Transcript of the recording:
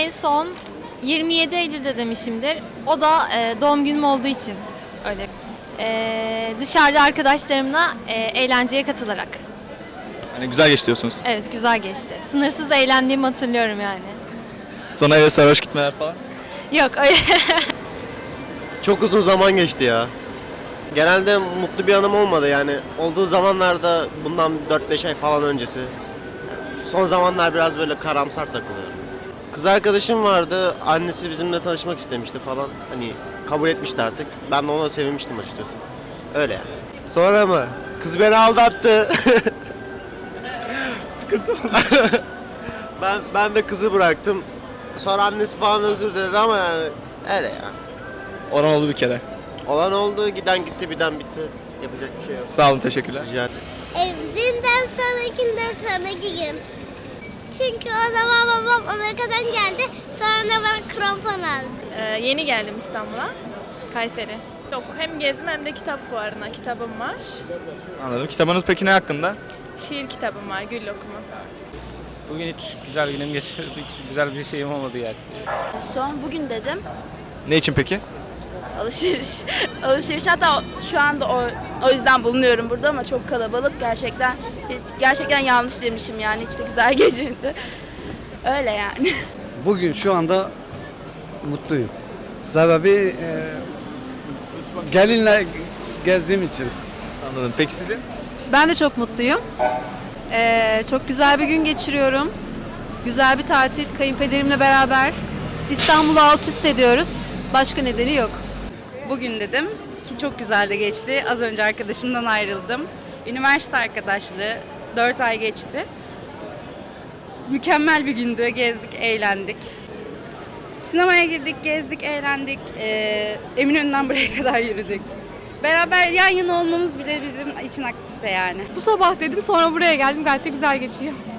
en son 27 Eylül'de demişimdir. O da doğum günüm olduğu için öyle. Dışarıda arkadaşlarımla eğlenceye katılarak. Yani güzel geçti diyorsunuz. Evet, güzel geçti. Sınırsız eğlendiğimi hatırlıyorum yani. Sonra eve sarhoş gitmeler falan. Yok öyle. Çok uzun zaman geçti ya. Genelde mutlu bir anım olmadı yani. Olduğu zamanlarda bundan 4-5 ay falan öncesi. Son zamanlar biraz böyle karamsar takılıyorum. Kız arkadaşım vardı. Annesi bizimle tanışmak istemişti falan. Hani kabul etmişti artık. Ben de ona sevinmiştim açıkçası. Öyle yani. Sonra mı? Kız beni aldattı. Sıkıntı oldu. ben de kızı bıraktım. Sonra annesi falan özür diledi ama yani öyle ya. Olan oldu bir kere. Olan oldu, giden gitti, biten bitti. Yapacak bir şey yok. Sağ olun, teşekkürler. Rica ederim. Dünden sonrakinden sonraki gün. Çünkü o zaman babam Amerika'dan geldi. Sonra ben krampon aldım. Yeni geldim İstanbul'a, Kayseri. Yok, hem gezme hem de kitap fuarına kitabım var. Anladım. Kitabınız peki ne hakkında? Şiir kitabım var, Gül Okumu. Bugün hiç güzel günüm geçirdi, hiç güzel bir şeyim olmadı yani. Son bugün dedim. Ne için peki? Alışveriş. Alışveriş, hatta şu anda o yüzden bulunuyorum burada ama çok kalabalık gerçekten yanlış demişim yani, hiç de güzel geçmedi. Öyle yani. Bugün şu anda mutluyum. Sebebi gelinle gezdiğim için. Anladım. Peki sizin? Ben de çok mutluyum. Çok güzel bir gün geçiriyorum. Güzel bir tatil, kayınpederimle beraber İstanbul'u alt üst ediyoruz. Başka nedeni yok. Bugün dedim ki çok güzel de geçti. Az önce arkadaşımdan ayrıldım. Üniversite arkadaşlığı 4 ay geçti. Mükemmel bir gündü. Gezdik, eğlendik. Sinemaya girdik, gezdik, eğlendik. Eminönü'nden buraya kadar yürüdük. Beraber yan yana olmamız bile bizim için aktifte yani. Bu sabah dedim, sonra buraya geldim. Gayet de güzel geçiyor.